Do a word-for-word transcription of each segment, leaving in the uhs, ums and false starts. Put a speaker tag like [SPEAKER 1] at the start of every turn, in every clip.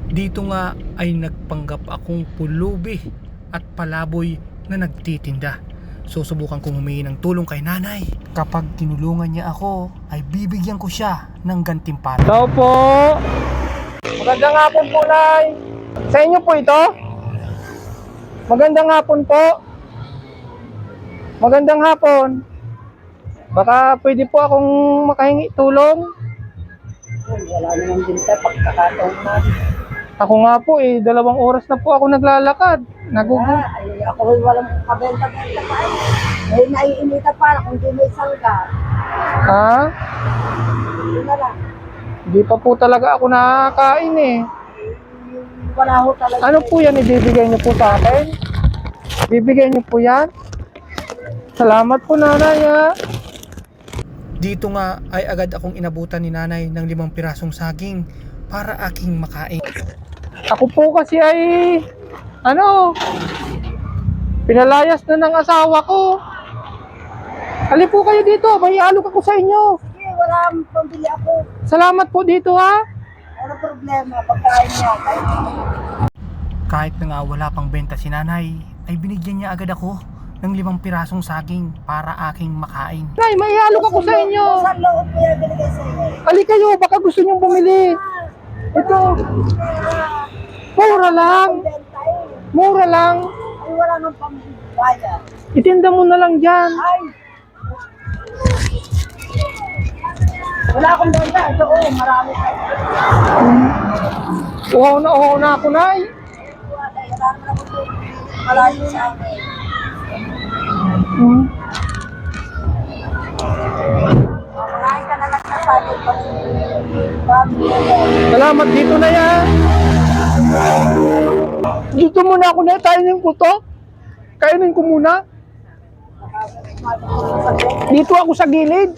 [SPEAKER 1] Dito nga ay nagpanggap akong pulubi at palaboy na nagtitinda. Susubukan kong humingi ng tulong kay nanay. Kapag tinulungan niya ako, ay bibigyan ko siya ng gantimpala.
[SPEAKER 2] Tao po! Magandang hapon po, Nay! Sa inyo po ito? Magandang hapon po! Magandang hapon! Baka pwede po akong makahingi tulong?
[SPEAKER 3] Wala naman din tayo pagkakataon na.
[SPEAKER 2] Ako nga po eh, dalawang oras na po ako naglalakad. Nagugu...
[SPEAKER 3] Ah, ay, ako rin walang kabenta-benta pa eh. Eh, naiinita pa kung di may sangga.
[SPEAKER 2] Ha?
[SPEAKER 3] Yun na lang.
[SPEAKER 2] Hindi pa po talaga ako nakakain eh.
[SPEAKER 3] Wala ho talaga.
[SPEAKER 2] Ano po yan ibibigay niyo po sa akin? Bibigay niyo po yan? Salamat po, nanay ha.
[SPEAKER 1] Dito nga ay agad akong inabutan ni nanay ng limang pirasong saging para aking makain.
[SPEAKER 2] Ako po kasi ay, ano, pinalayas na ng asawa ko. Hali po kayo dito, may alok ako sa inyo.
[SPEAKER 3] Sige, wala pambili ako.
[SPEAKER 2] Salamat po dito ha.
[SPEAKER 3] Ano problema, pagkain niya. Kahit
[SPEAKER 1] Kahit na nga wala pang benta si nanay, ay binigyan niya agad ako ng limang pirasong saging para aking makain.
[SPEAKER 2] Nay, may alok ako sa inyo.
[SPEAKER 3] saan loob mo yan binigay sa inyo?
[SPEAKER 2] Hali kayo, baka gusto nyong bumili. Ito, mura lang.
[SPEAKER 3] Benta eh.
[SPEAKER 2] Mura lang.
[SPEAKER 3] Ay, wala nang pambayad.
[SPEAKER 2] Itinda mo na lang dyan.
[SPEAKER 3] Ay! Wala akong benta. Ito, oh, marami pa.
[SPEAKER 2] Uhaw na uhaw na ako, Nay.
[SPEAKER 3] Wala naman ako ito. Malayo sa akin.
[SPEAKER 2] Hmm.
[SPEAKER 3] Kumain ka na lang sa sakin pag bago mo.
[SPEAKER 2] Salamat dito na yan. Dito muna ako na, kainin ko to. Kainin ko muna. Dito ako sa gilid.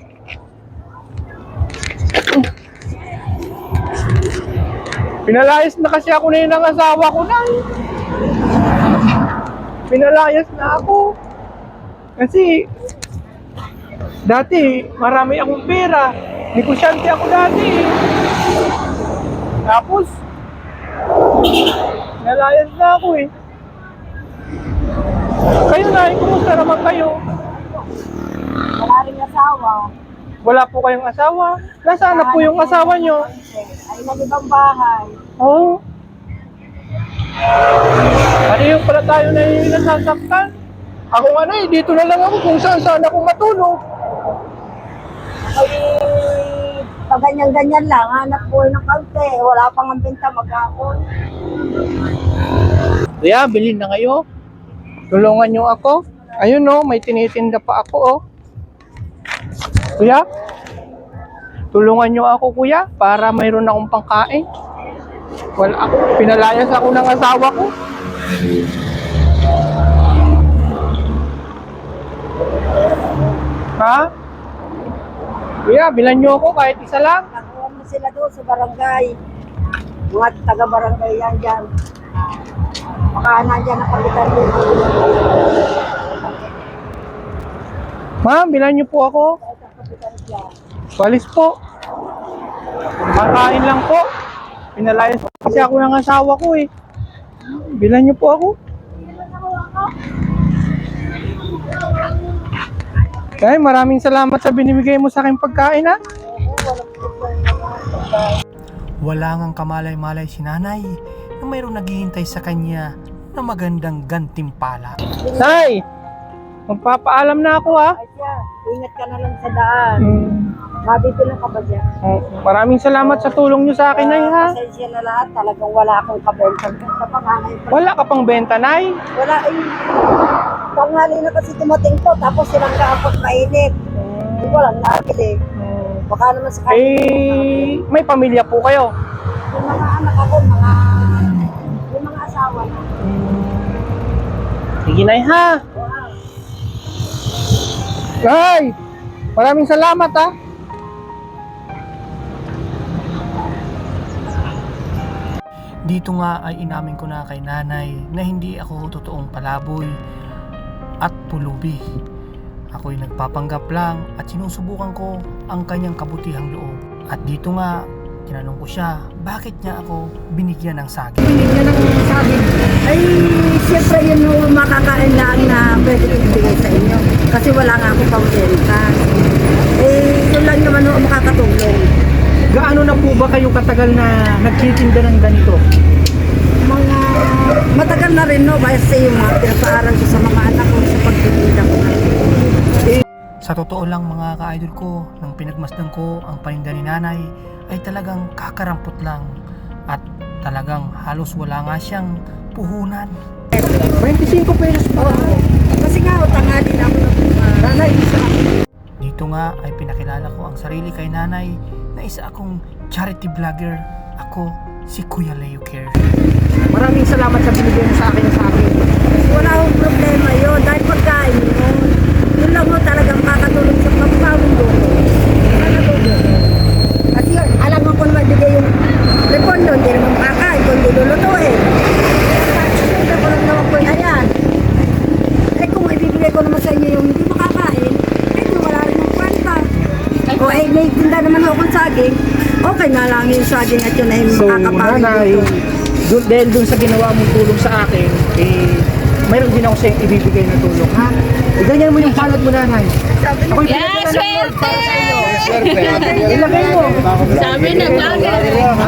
[SPEAKER 2] Pinalayas na kasi ako na yun ng asawa ko na. Pinalayas na ako. Kasi dati marami akong pera. Negosyante ako dati. Tapos pinalayas na ako eh. Kayo na, kumusta naman kayo?
[SPEAKER 3] Wala rin asawa.
[SPEAKER 2] Wala po kayong asawa? Nasaan na po yung asawa nyo?
[SPEAKER 3] Ay, nag-ibang bahay.
[SPEAKER 2] Oo. Ano yung pala tayo na yung nasasaktan? Ako nga na eh, dito na lang ako kung saan saan ako matulog.
[SPEAKER 3] Ay, pag ganyan-ganyan lang, hanap buhay ng kaunti. Wala pang ang benta maghapon.
[SPEAKER 2] Kuya, bilhin na kayo. Tulungan nyo ako. Ayun no, may tinitinda pa ako oh. Kuya, tulungan nyo ako kuya para mayroon akong pangkain. Wala ako, pinalayas ako ng asawa ko. Ha? Kuya, bilan nyo ako kahit isa lang.
[SPEAKER 3] Nakuha mo sila doon sa barangay. Mga taga-barangay yan dyan. Baka nandyan na kapitan doon.
[SPEAKER 2] Ma'am, bilan nyo po ako. Walis po. Makain lang po. Pinalayas kasi ako ng asawa ko eh. Bilan nyo po ako. Kaya maraming salamat sa binibigay mo sa aking pagkain ha.
[SPEAKER 1] Wala ngang kamalay-malay si nanay na mayroong naghihintay sa kanya na magandang gantimpala.
[SPEAKER 2] Nay, magpapaalam na ako ha.
[SPEAKER 3] Ay siya, ingat ka na lang sa daan.
[SPEAKER 2] Hmm.
[SPEAKER 3] Mabibilang ka ba dyan?
[SPEAKER 2] Oh, maraming salamat sa tulong nyo sa akin Nay ha.
[SPEAKER 3] Pasensya na lahat. Talagang wala akong kabenta. Sa panganay pa.
[SPEAKER 2] Wala ka pang benta Nay.
[SPEAKER 3] Wala eh. Panghali na kasi dumating to. Tapos silang kaapot mainit. Hindi ko lang nakakili. Baka naman sa kanila.
[SPEAKER 2] Eh, may pamilya po kayo.
[SPEAKER 3] Yung mga anak ako, mga yung mga asawa na.
[SPEAKER 2] Sige Nay ha.
[SPEAKER 3] Wow.
[SPEAKER 2] Nay, maraming salamat ha.
[SPEAKER 1] Dito nga ay inamin ko na kay nanay na hindi ako totoong palaboy at pulubi. Ako'y nagpapanggap lang at sinusubukan ko ang kanyang kabutihang loob. At dito nga, tinanong ko siya, bakit niya ako binigyan ng saging?
[SPEAKER 3] Binigyan ng sabi, ay siyempre yun yung makakain lang na pwede ko ibigay sa inyo. Kasi wala nga akong pang-renta. Eh, yun lang naman ako makakatulong.
[SPEAKER 2] Gaano na po ba kayo katagal na nagtitinda ng ganito?
[SPEAKER 3] Mga matagal na rin, no? Basta yung mga pinapaaral ko sa mga anak ko sa pagtitinda ko.
[SPEAKER 1] Sa totoo lang mga ka-idol ko, nang pinagmasdan ko ang paninda ni nanay, ay talagang kakarampot lang. At talagang halos wala nga siyang puhunan.
[SPEAKER 2] twenty-five pesos pa.
[SPEAKER 3] Oo. Kasi nga, tangali na ako ng uh, nanay. Isa.
[SPEAKER 1] Dito nga ay pinakilala ko ang sarili kay nanay na isa akong charity vlogger. Ako si Kuya Leo Care.
[SPEAKER 2] Maraming salamat sa binigay mo sa akin sa akin.
[SPEAKER 3] Wala akong problema yun. Dahil pagkain mo, yun lang mo talagang makakatulong sa pagpawin mo. Makakatulong. Kasi alam mo kung mabigay yung repon doon, hindi naman makakain, kundi lulutuin. Hindi ko lang naman po na yan. Eh kung ibibigay ko naman sa inyo yung hindi makakain, eh di wala rin yung kwenta. O eh, may tinda naman ako kung saging, okay na lang yung saging at yun ay
[SPEAKER 2] So,
[SPEAKER 3] makakapawin
[SPEAKER 2] nanay,
[SPEAKER 3] dito.
[SPEAKER 2] dun, dahil dun sa ginawa mong tulong sa akin, eh, mayroon din ako sa'yo ibibigay na tulong, ha? E, ganyan mo yung palad mo, nanay. Ako'y
[SPEAKER 4] Yeah,
[SPEAKER 2] pinagdala ng gold para sa iyo.
[SPEAKER 4] swerte!
[SPEAKER 2] Ilagay mo.
[SPEAKER 4] Sabi na vlogger.
[SPEAKER 2] Ha?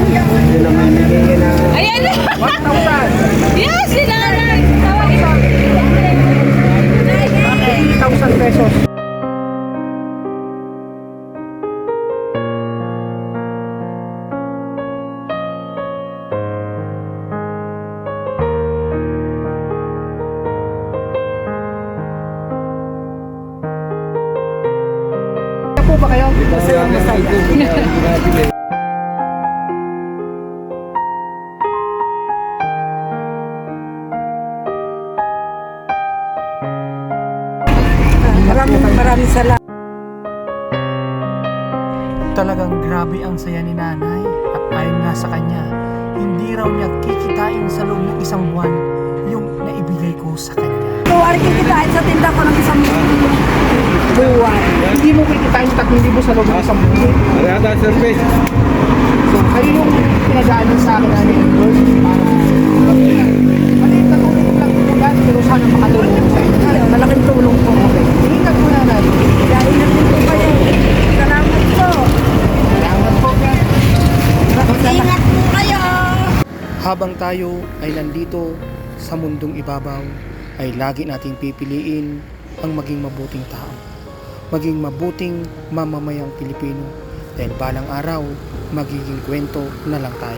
[SPEAKER 4] Ayan na!
[SPEAKER 2] one thousand.
[SPEAKER 4] Yes, si nanay! Tawagin mo.
[SPEAKER 2] eighty thousand pesos. Po ba kayo?
[SPEAKER 3] Masaya, masaya. Maraming maraming salamat.
[SPEAKER 1] Talagang grabe ang saya ni nanay at ayon nga sa kanya, hindi raw niya kikitain sa loob ng isang buwan yung naibigay ko sa kanya.
[SPEAKER 3] So, ari kikitain sa tinda ko ng isang buwan.
[SPEAKER 2] Hindi mo kikitain tatlong libo sa loob ng isang buwan.
[SPEAKER 5] Ada service.
[SPEAKER 2] So, kayo yung pinadaan sa akin na yung Lord para maliit na tulong lang po yan, pero sana makatulong ko sa inyo.
[SPEAKER 3] Ay, malaking tulong po.
[SPEAKER 2] Okay. Ingat po na natin.
[SPEAKER 3] Dahil na po kayo. Salamat po.
[SPEAKER 2] Salamat po yan.
[SPEAKER 3] Ingat po kayo.
[SPEAKER 1] Habang tayo ay nandito sa mundong ibabaw, ay lagi nating pipiliin ang maging mabuting tao. Maging mabuting mamamayang Pilipino. Dahil balang araw, magiging kwento na lang tayo.